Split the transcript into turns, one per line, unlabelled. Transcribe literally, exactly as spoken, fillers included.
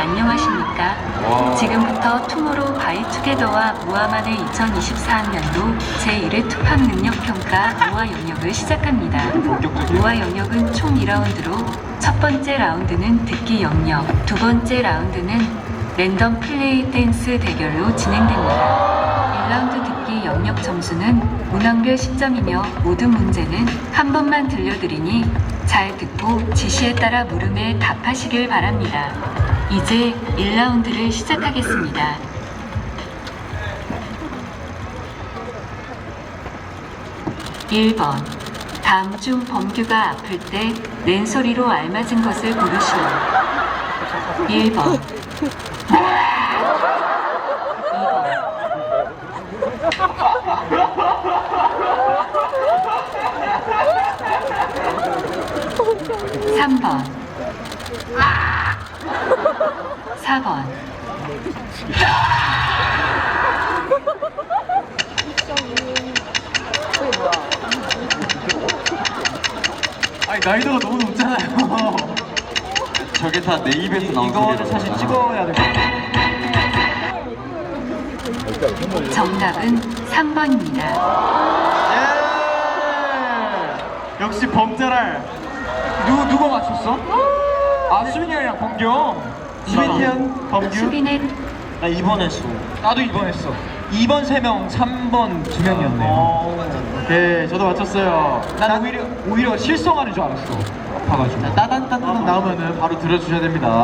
안녕하십니까?
와.
지금부터 투모로우 바이 투게더와 모아만의 이천이십사 학년도 제일 회 투팍 능력평가 모아 영역을 시작합니다. 모아 영역은 총 이 라운드로 첫 번째 라운드는 듣기 영역, 두 번째 라운드는 랜덤 플레이 댄스 대결로 진행됩니다. 일 라운드 듣기 영역 점수는 문항별 십 점이며 모든 문제는 한 번만 들려드리니 잘 듣고 지시에 따라 물음에 답하시길 바랍니다. 이제 일 라운드를 시작하겠습니다. 일 번. 다음 중 범규가 아플 때 랜소리로 알맞은 것을 고르시오. 일 번. 이 번. 삼 번. 사 번.
아니 나이도가 너무 높잖아요.
저게 다 내 입에서 나온
이거는
소리라고.
사실 찍어야 될 것 같아요.
정답은 삼 번입니다.
예! 역시 범자랄. 누구 누가 맞췄어? 아 수빈이 형이랑 범규. 수빈이 형, 범규.
수빈의
나 이 번 했어. 나도 이 번 했어. 이 번 세 명, 삼 번 두 명이었네요. 오케이, 저도 맞췄어요. 난 오히려 오히려 실성하는 줄 알았어. 아파가지고. 따단 따단 나오면은 바로 들어주셔야 됩니다.